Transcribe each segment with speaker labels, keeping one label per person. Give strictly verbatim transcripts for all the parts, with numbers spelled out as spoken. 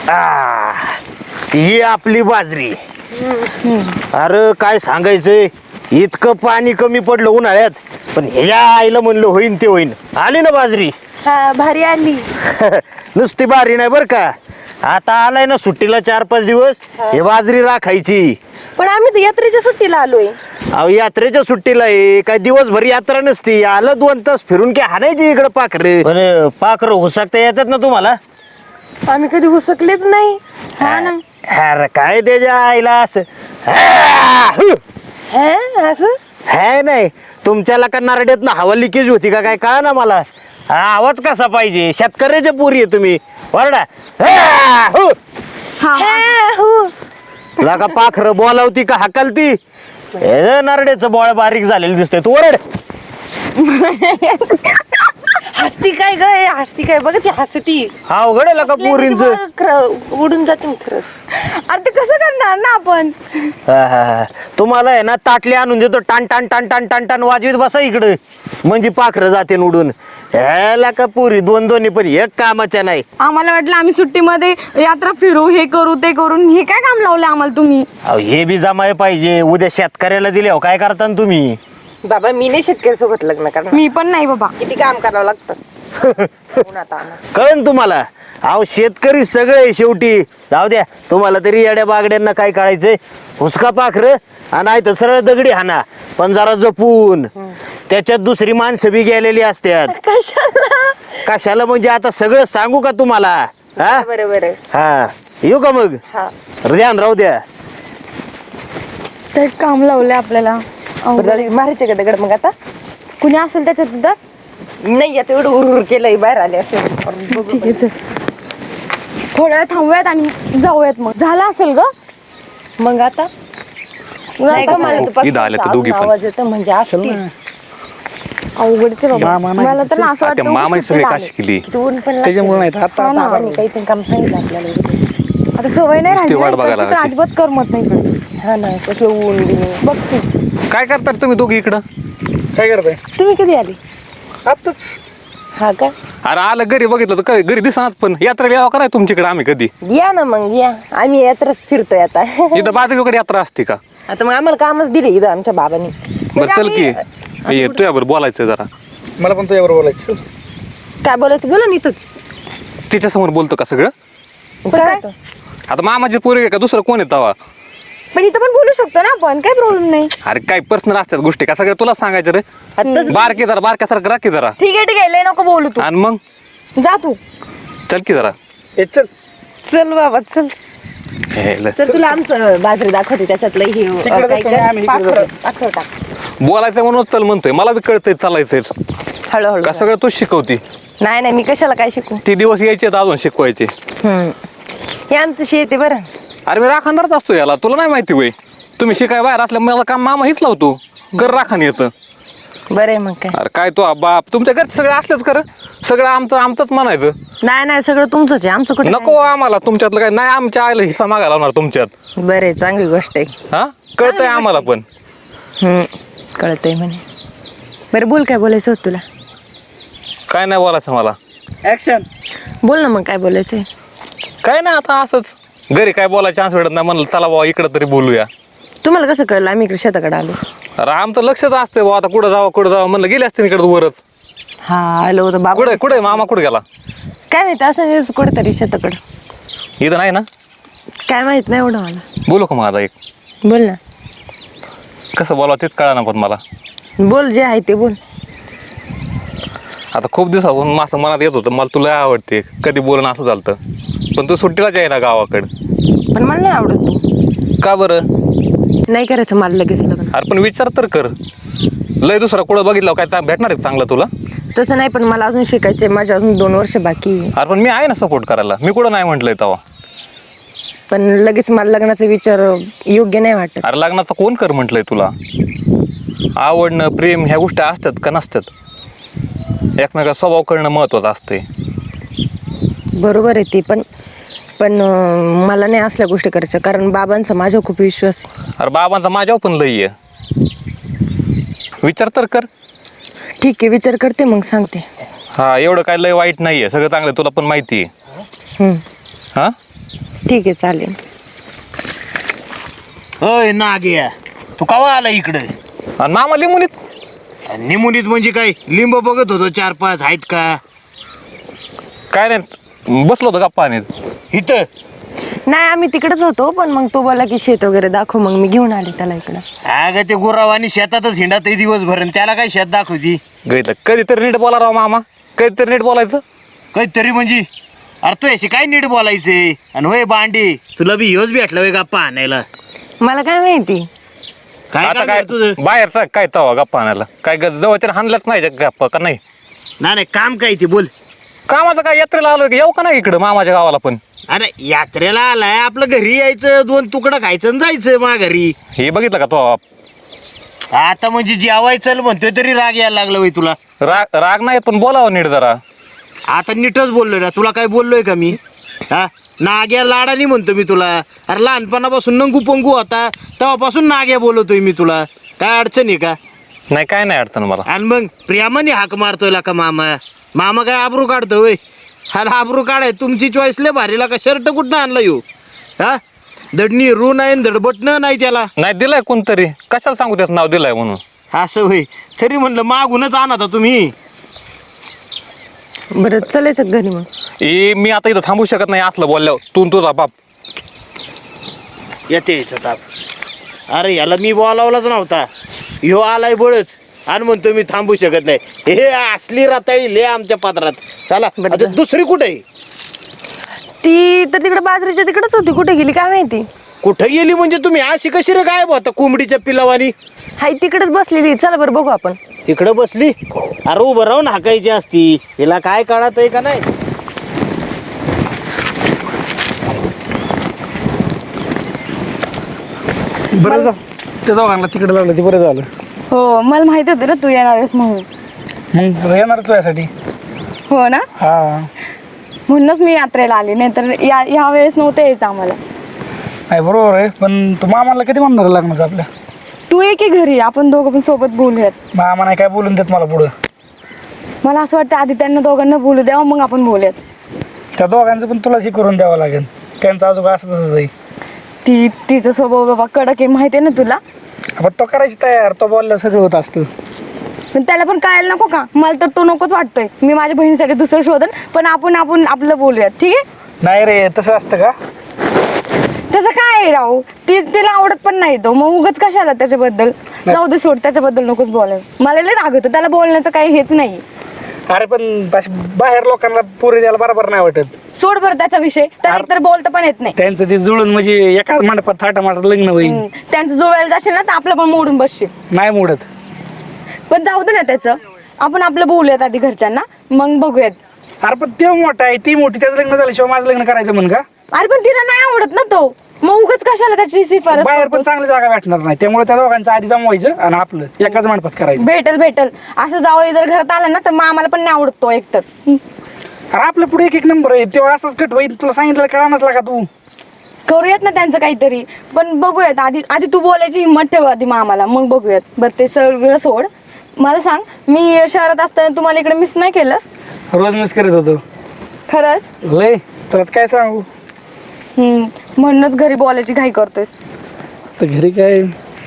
Speaker 1: आ, ही आपली बाजरी. अरे काय सांगायचंय, इतकं पाणी कमी पडलं उन्हाळ्यात, पण ह्या आईला म्हणलं होईन ते होईन. आली ना बाजरी.
Speaker 2: हा भारी आली.
Speaker 1: नुसती बारी नाही बर का, आता आलाय ना सुट्टीला चार पाच दिवस, हे बाजरी राखायची.
Speaker 2: पण आम्ही तर यात्रेच्या सुट्टीला आलोय.
Speaker 1: अहो यात्रेच्या सुट्टीला आहे काय, दिवसभर यात्रा नसती, आलं दोन तास फिरून की हाणायची इकडं पाखरे. पण पाखरं हुसकता येतात ना तुम्हाला?
Speaker 2: आम्ही कधी हुसकलेच नाही. हा ना.
Speaker 1: अरे काय त्याच्या आईला असं
Speaker 2: हा, असं
Speaker 1: है नाही, तुमच्याला का नारड्यात ना हवा लिकेज होती का काय कळा ना मला. हा आवाज कसा पाहिजे, शेतकऱ्याच्या पोरी आहे तुम्ही. वरडा लागा पाखरं बोलावती का हाकलती? हे नारड्याचं बोळ बारीक झालेलं दिसतंय, तू ओरड.
Speaker 2: हसती काय ग, हसती काय बघ ती हसती.
Speaker 1: हा अवघड आहे का पोरींच.
Speaker 2: उडून जाते मी खरंच. अरे ते कसं करणार ना आपण.
Speaker 1: तुम्हाला आहे ना ताटली आणून देतो, टान टान टान टान टान टान वाजवीत बसा इकडं, म्हणजे पाखरं जाते उडून. ह्याला का पुरी दोन दोन्ही पण एक कामाच्या नाही.
Speaker 2: आम्हाला वाटलं आम्ही सुट्टीमध्ये यात्रा फिरू, हे करू ते करून, हे काय काम लावलं आम्हाला तुम्ही.
Speaker 1: अहो हे बी जमाय पाहिजे, उद्या शेतकऱ्याला दिले हो काय करता ना तुम्ही.
Speaker 2: बाबा मी नाही शेतकरी सोबत लग्न करणार. मी पण नाही बाबा, किती काम करावं लागतं.
Speaker 1: कळन तुम्हाला. अहो शेतकरी सगळे शेवटी. जाऊ द्या, तुम्हाला तरी येड्या बागड्यांना काय कळायचंय. हुसका पाखरं आणि तर सरळ दगडी हाना, पण जरा जपून. त्याच्यात दुसरी माणसं बी गेलेली असतात.
Speaker 2: कशाला
Speaker 1: कशाला म्हणजे आता सगळं सांगू का तुम्हाला? हा
Speaker 2: बरोबर आहे.
Speaker 1: हा येऊ का मग? ध्यान राहू द्या.
Speaker 2: ते काम लावलंय आपल्याला. मारायचे का दगड मग आता? कुणी असेल त्याच्यात सुद्धा नाही, आता एवढं उर केलंय बाहेर आले असेल. ठीक आहे, थोड्या वेळ थांबूयात आणि जाऊयात. मग झालं असेल ग मग आता. आवाज येतो म्हणजे असतील अवघडचे बाबा. मला तर असं वाटतं मामा सगळे काशी केली त्याच्यामुळे नाही. आता काही पण काम सांगितलं आपल्याला, आता सवय नाही राहिली, अजिबात करमत नाही. हा ना, कसं ऊन बघ तू.
Speaker 3: काय करतात तुम्ही दोघी इकडं? काय करताय
Speaker 2: तुम्ही? कधी आली?
Speaker 3: आताच.
Speaker 2: हा का?
Speaker 3: अरे आलं घरी बघितलं तर काय घरी दिसणार, पण यात्रा यावं कराय तुमच्याकडे आम्ही कधी.
Speaker 2: या ना मग, या. आम्ही यात्राच फिरतोय आता.
Speaker 3: इथं बाजूकडे यात्रा असते का?
Speaker 2: आता मग आम्हाला कामच दिले इथं आमच्या बाबांनी.
Speaker 3: बरं चल की, ये तुझ्याबरोबर बोलायचं जरा. मला पण तुझ्याबरोबर बोलायचं.
Speaker 2: काय बोलायचं बोला इथंच.
Speaker 3: तिच्या समोर बोलतो का सगळं?
Speaker 2: काय
Speaker 3: आता मामाची पोरी का दुसरं कोण आहे तवा?
Speaker 2: पण इथं पण बोलू शकतो ना आपण, काही प्रॉब्लेम नाही.
Speaker 3: अरे काय पर्सनल असतात गोष्टी का सगळं तुला सांगायचं रे? बारकी जरा बारक्यासारखं राखी जरा.
Speaker 2: ठीक आहे ठीक आहे, लय नको बोलू तू.
Speaker 3: आणि मग
Speaker 2: जा तू.
Speaker 3: चल की जरा.
Speaker 2: चल चल बाबा चल. तर तुला आमचं बाजरी दाखवते, त्याच्यातलं हे
Speaker 3: बोलायचं म्हणून चल म्हणतोय. मला बी कळतंय चालायचंय.
Speaker 2: हळूहळू
Speaker 3: का सगळं तूच शिकवती?
Speaker 2: नाही नाही, मी कशाला काय शिकू.
Speaker 3: ती दिवस यायचे अजून शिकवायचे.
Speaker 2: हे आमचं शेत आहे बरं.
Speaker 3: अरे मी राखणदारच असतो याला, तुला नाही माहिती वय? तुम्ही शिकाय बाहेर असल्या मला काम मामा हीच लावतो, घर राखण येतं.
Speaker 2: बरं आहे मग काय.
Speaker 3: अरे काय तो बाप, तुमच्या घरचे सगळे असलेच कर, सगळं आमचं आमचंच म्हणायचं.
Speaker 2: नाही नाही, सगळं तुमचंच आहे, आमचं कुठे
Speaker 3: नको आम्हाला तुमच्यातलं काय नाही. आमच्या आईला हिस्सा मागायला लावणार तुमच्यात.
Speaker 2: बरं आहे, चांगली गोष्ट आहे.
Speaker 3: हा कळतंय आम्हाला पण.
Speaker 2: हम्म कळतंय म्हणे. बरं बोल, काय बोलायचं होत तुला?
Speaker 3: काय नाही बोलायचं मला.
Speaker 1: ऍक्शन.
Speaker 2: बोल ना मग, काय बोलायचंय?
Speaker 3: काय नाही, आता असंच घरी काय बोलायचं चान्स भेटत नाही, म्हणलं चला बाबा इकडं तरी बोलूया.
Speaker 2: तुम्हाला कसं कळलं आम्ही इकडे शेताकडे आलो?
Speaker 3: अरे आमचं लक्षच असतंय बाबा, आता कुठं जावं कुठं जावं म्हणलं, गेले असते इकडे वरच.
Speaker 2: हा आलो होतं बाबा.
Speaker 3: कुठे कुठे मामा कुठे गेला
Speaker 2: काय माहिती, असं कुठेतरी शेताकडं.
Speaker 3: इथं नाही ना?
Speaker 2: काय माहित नाही एवढं मला.
Speaker 3: बोलू का माझा एक?
Speaker 2: बोल ना.
Speaker 3: कसं बोलावं तेच कळा ना पण मला.
Speaker 2: बोल, जे आहे ते बोल.
Speaker 3: आता खूप दिवसापासून माझं मनात येत होतं, मला तुला आवडते, कधी बोलणं असं झालं, पण तू सुट्टीलाच आहे ना गावाकडं.
Speaker 2: पण मला नाही आवडत तू.
Speaker 3: का बरं?
Speaker 2: नाही करायचं मला लगेच लग्न.
Speaker 3: अरे पण विचार तर कर, लय दुसरा कुठं बघितलं काय चांग भेटणार आहे चांगलं तुला?
Speaker 2: तसं नाही, पण मला अजून शिकायचंय, माझ्या अजून दोन वर्ष बाकी.
Speaker 3: अरे पण मी आहे ना सपोर्ट करायला, मी कुठं नाही म्हटलंय तेव्हा.
Speaker 2: पण लगेच मला लग्नाचा विचार योग्य नाही वाटत.
Speaker 3: अरे लग्नाचं कोण कर म्हटलंय तुला? आवडणं प्रेम ह्या गोष्टी असतात का नसतात? एकमेका स्वभाव करणं महत्वाचं असते.
Speaker 2: बरोबर आहे ते, पण पण मला नाही असल्या गोष्टी करायच्या, कारण बाबांचा माझ्यावर खूप विश्वास आहे.
Speaker 3: अरे बाबांचा माझ्यावर पण लई आहे, विचार तर कर.
Speaker 2: ठीक आहे, विचार करते मग सांगते.
Speaker 3: हा एवढं काय लय वाईट नाहीये, सगळं चांगलं तुला पण माहिती आहे.
Speaker 2: हम्म.
Speaker 3: हा
Speaker 2: ठीक आहे चालेल.
Speaker 1: होय नाग्या, तू कवा आला इकडे?
Speaker 3: आणि मामा लिंबुनीत
Speaker 1: निमुनीत म्हणजे काय, लिंब बघत होतो चार पाच आहेत का?
Speaker 3: काय नाही, बसलो होतो गप्पा आणि
Speaker 1: इथं
Speaker 2: नाही आम्ही तिकडेच होतो, पण मग तो बोला की शेत वगैरे दाखव, मग मी घेऊन आले त्याला इकडं.
Speaker 1: अगं ते गुराव आणि शेतातच हिंडात दिवसभर आणि त्याला काय शेत दाखवती?
Speaker 3: गैतलं कधीतरी नीट बोला राव मामा, कधीतरी नीट बोलायचं.
Speaker 1: काहीतरी म्हणजे अरे तू याशी काय नीट बोलायचे? आणि होय बांडे, तुला बी ह्योच भेटला वे गप्पा आणायला?
Speaker 2: मला काय माहिती.
Speaker 1: काय
Speaker 3: आता
Speaker 1: काम
Speaker 3: काय
Speaker 1: आहे तुझं?
Speaker 3: बाहेरचा काय तवा गप्पा आणायला? काय जवळच्या हाणलाच नाही त्या गप्पा का नाही?
Speaker 1: नाही नाही, काम काय ते बोल.
Speaker 3: कामाचं काय, यात्रेला आलो की येऊ का नाही इकडं मामाच्या गावाला? पण
Speaker 1: अरे यात्रेला आलाय, आपलं घरी यायचं, दोन तुकडं खायचं आणि जायचं मा घरी.
Speaker 3: हे बघितलं का तो
Speaker 1: आता म्हणजे जेवायचं म्हणतोय तरी राग यायला लागला वय तुला?
Speaker 3: राग राग नाही, पण बोलावं नीट जरा.
Speaker 1: आता नीटच बोललोय ना, तुला काय बोललोय का मी? हा, नाग्या लाडानी म्हणतो मी तुला. अरे लहानपणापासून नंगू पंगू होता तेव्हापासून नाग्या बोलवतोय मी तुला. काय अडचण आहे का?
Speaker 3: नाही काय नाही अडचण मला.
Speaker 1: आणि मग प्रेमाने हाक मारतोय का मामा? मामा काय आबरू काढतो वय? हा आबरू काढाय तुमची चॉईस लय भारीला का? शर्ट कुठनं आणला येऊ? हा, दडणी रू नाही दडबटणं नाही त्याला.
Speaker 3: नाही दिलाय कोणतरी, कशाला सांगू त्याचं नाव दिलंय म्हणून.
Speaker 1: असं होय, तरी म्हणलं मागूनच आणता तुम्ही.
Speaker 2: बरं चलायचं घरी मग.
Speaker 3: ए मी आता इथं थांबू शकत नाही असलं बोलल्यावर, तू न तुझा बाप.
Speaker 1: येते याचा ताप. अरे याला मी बोलावलाच नव्हता, ह्यो आलाय बळच आणि म्हणतो मी थांबू शकत नाही. हे असली रताळी ले आमच्या पात्रात. चला
Speaker 2: बरं.
Speaker 1: आता दुसरी कुठे आहे?
Speaker 2: ती तर तिकडे बाजरीच्या तिकडेच होती, कुठे गेली काय माहिती.
Speaker 1: कुठं गेली म्हणजे तुम्ही अशी कशी रे गायब होता कोंबडीच्या पिलावानी?
Speaker 2: हाय तिकडेच बसलेली. चला बरं बघू आपण.
Speaker 1: तिकडं बसली? अरे उभं राहून हाकायची असती, तिला काय कळत आहे का नाही?
Speaker 4: बरं जा, त्या दोघांना तिकडे लागलं ते बरं झालं.
Speaker 2: हो मला माहिती होतं ना तू येणार आहेस म्हणून.
Speaker 4: मग येणार तुझ्यासाठी.
Speaker 2: हो ना,
Speaker 4: हा,
Speaker 2: म्हणूनच मी यात्रेला आली, नाही तर या ह्या वेळेस नव्हतं यायचं आम्हाला.
Speaker 4: नाही बरोबर आहे, पण तू मामाला कधी म्हणणार लग्नाचं आपल्या?
Speaker 2: तू ये की घरी, आपण दोघं पण सोबत बोलूयात.
Speaker 4: मामा नाही काय बोलून देत मला पुढं.
Speaker 2: मला असं वाटतं आधी त्यांना दोघांना बोलू द्यावं, मग आपण बोलूयात.
Speaker 4: त्या दोघांचं पण तुलाच हे करून द्यावं लागेल. त्यांचं अजून असं तसंच आहे.
Speaker 2: ती तिचा स्वभाव बाबा कडक आहे, माहिती आहे ना तुला.
Speaker 4: आपण तो करायची तयार, तो बोललं सगळं होत असतं.
Speaker 2: पण त्याला पण कळायला नको का? मला तर तो नकोच वाटतोय. मी माझ्या बहिणीसाठी दुसरं शोधन, पण आपण आपण आपलं बोलूयात, ठीक आहे?
Speaker 4: नाही रे, तसं असतं का?
Speaker 2: त्याचं काय आहे राहू, ती तिला आवडत पण नाही तो, मग उगाच कशाला त्याच्याबद्दल. जाऊ दे सोड, त्याच्याबद्दल नकोच बोलायला. मला लय राग येतो, त्याला बोलण्याचं काही हेच नाही.
Speaker 4: अरे पण अशी बाहेर लोकांना पोरी द्यायला बरोबर नाही वाटत.
Speaker 2: सोड बरं त्याचा विषय, त्याला
Speaker 4: अरे-
Speaker 2: तर बोलता पण येत नाही.
Speaker 4: त्यांचं ते जुळून म्हणजे एकाच मंडपात थाटामाटात लग्न होईल.
Speaker 2: हम्म, त्यांचं जोडायला जाशील ना तर आपलं पण मोडून बसशील.
Speaker 4: नाही मोडत.
Speaker 2: पण जाऊ दे ना त्याचं, आपण आपलं बोलूयात आधी घरच्यांना, मग बघूयात.
Speaker 4: अरे पण ते मोठा आहे, ती मोठी, त्याचं लग्न झाल्याशिवाय माझं लग्न करायचं म्हण का?
Speaker 2: अरे पण तिला नाही आवडत ना तो, मग उगाच कशाला त्याची शिफारस
Speaker 4: बाहेर पण
Speaker 2: करतोस?
Speaker 4: चांगली जागा भेटणार नाही, त्यामुळे त्या दोघांचं आधी जमवायचं आणि आपलं एकाच मंडपात करायचं.
Speaker 2: भेटल भेटल असं जावं जर घरात आलं ना तर मग आम्हाला पण नाही आवडत तो एकतर.
Speaker 4: अरे आपलं पुढे एक एक नंबर आहे, तेव्हा असंच कट होईल. तुला सांगितलं कळानच लागा तू.
Speaker 2: करूयात ना त्यांचं काहीतरी, पण बघूयात आधी. आधी तू बोलायची हिंमत ठेव आधी मग आम्हाला, मग बघूयात. बरं ते सगळं सोड, मला सांग, मी शहरात असताना तुम्हाला इकडे मिस नाही केलं?
Speaker 4: रोज मिस करत होतो
Speaker 2: खरंच?
Speaker 4: लय. तुला काय सांगू,
Speaker 2: हम्म, म्हणूनच घरी बोलायची घाई करतोय.
Speaker 4: तर घरी काय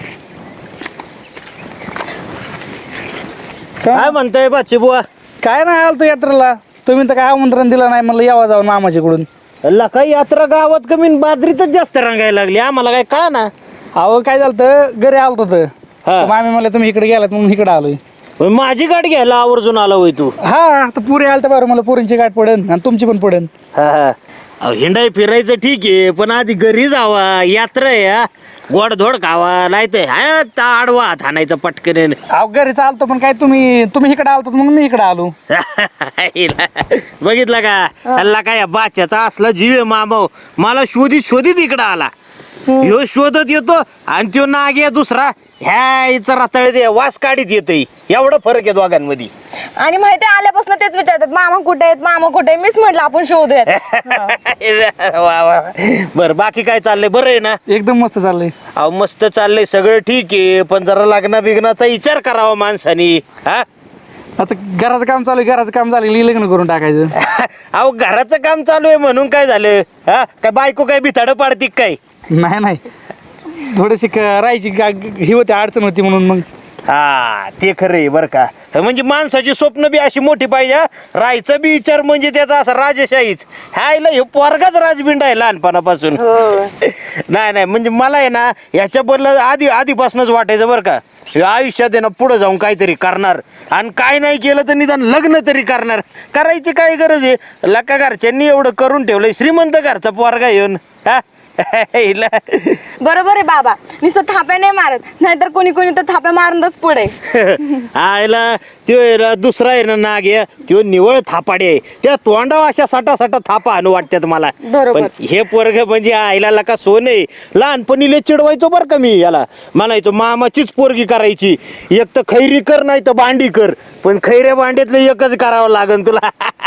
Speaker 1: काय म्हणताय बाची बुवा?
Speaker 4: काय नाही आलतो यात्रेला. तुम्ही तर काय आमंत्रण दिलं नाही, म्हणलं यावं जाऊन मामाच्याकडून.
Speaker 1: अल्ला काय यात्रा गावात कमी न बाजरीतच जास्त रंगायला लागली, आम्हाला काय कळा ना.
Speaker 4: अहो काय झालं तर घरी आलतो तर
Speaker 1: हा.
Speaker 4: मामी म्हणलं तुम्ही इकडे गेलात म्हणून इकडे आलोय.
Speaker 1: माझी गाडी घ्यायला आवर्जून आला होय तू?
Speaker 4: हा, तर पुरी आलं तर बरं, मला पुरींची गाठ पडेल आणि तुमची पण पडेल.
Speaker 1: हा हा. अहो, हिंडाय फिरायचं ठीक आहे, पण आधी घरी जावा, यात्रा आहे हा. गोडधोड खावा, नाही तर हा आडवा हात हाणायचं पटकन.
Speaker 4: अहो घरी चालतो, पण काय तुम्ही तुम्ही इकडे आलतो म्हणून मी इकडे आलो.
Speaker 1: बघितलं का? हल्ला काय बाच्याचा असला जीव आहे मामाव, मला शोधित शोधित इकडं आला. ह्यो शोधत येतो आणि त्यो नाग दुसरा ह्या इथं रताळ दे वास काढीत येतय. एवढा फरक आहे दोघांमध्ये.
Speaker 2: आणि माहिती आल्यापासून तेच विचारतात, मामा कुठे आहेत, मामा कुठे आहे. मीच म्हटलं आपण शोधूयात.
Speaker 1: वा वा. बर बाकी काय चाललंय? बरं आहे ना?
Speaker 4: एकदम मस्त चाललंय.
Speaker 1: अहो मस्त चाललंय सगळं ठीक आहे, पण जरा लग्ना बिग्नाचा विचार करावा माणसानी. हा
Speaker 4: आता घराचं काम चालू आहे, घराचं काम झालं की लग्न करून टाकायचं.
Speaker 1: अहो घराचं काम चालू आहे म्हणून काय झालं? हा काय बायको काय बिथाडं पाडती का काय?
Speaker 4: नाही नाही थोडीशी क- राहायची गा- ही होती, अडचण होती म्हणून मग.
Speaker 1: हा ते खरं आहे बरं का. म्हणजे माणसाची स्वप्न बी अशी मोठी पाहिजे हा. राहायचं बी विचार म्हणजे त्याचा असा राजशाहीच. हायला हे पोरगाच राजबिंड आहे लहानपणापासून. नाही नाही म्हणजे मला आहे ना ह्याच्याबद्दल आधी आधीपासूनच वाटायचं बरं का, हे आयुष्यात आहे ना पुढे जाऊन काहीतरी करणार आणि काय नाही केलं तर निदान लग्न तरी करणार. करायची काय गरज आहे? लका घरच्यांनी एवढं करून ठेवलंय, श्रीमंत घरचा पोरगा येऊन हा. हिला
Speaker 2: बरोबर आहे बाबा, नुसतं थाप्या नाही मारत, नाहीतर कोणी कोणी तर थाप्या मारूनच पुढे.
Speaker 1: आयला त्यो आहे ना दुसरा आहे ना नाग आहे, त्यो निवळ थापाडे आहे. त्या तोंडावर अशा साठा साठा थापा आणू वाटतात मला.
Speaker 2: बरोबर.
Speaker 1: पण हे पोरग म्हणजे आईला लका सोन आहे. लहानपणी लय चिडवायचो बरं का मी याला, म्हणायचो मामाचीच पोरगी करायची, एक तर खैरी कर नाही तर भांडी कर, पण खैऱ्या भांड्यातलं एकच करावं लागन तुला.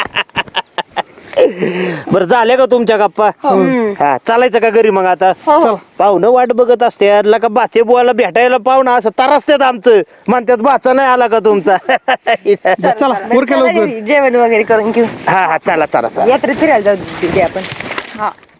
Speaker 1: बरं झाले का तुमच्या गप्पा? हा चालायचं का घरी मग आता?
Speaker 2: हो.
Speaker 1: पाहुणं वाट बघत असते यारला का बाचे बुवाला भेटायला पाहुणं असं तरसतात आमचं, म्हणतात बाचा नाही आला का तुमचा?
Speaker 4: चला उरका
Speaker 2: चला
Speaker 4: लवकर.
Speaker 2: घरी, जेवण वगैरे करून घेऊ.
Speaker 1: हा हा चला चला चला.
Speaker 2: यात्रेत फिरायला जाऊ दे आपण. हा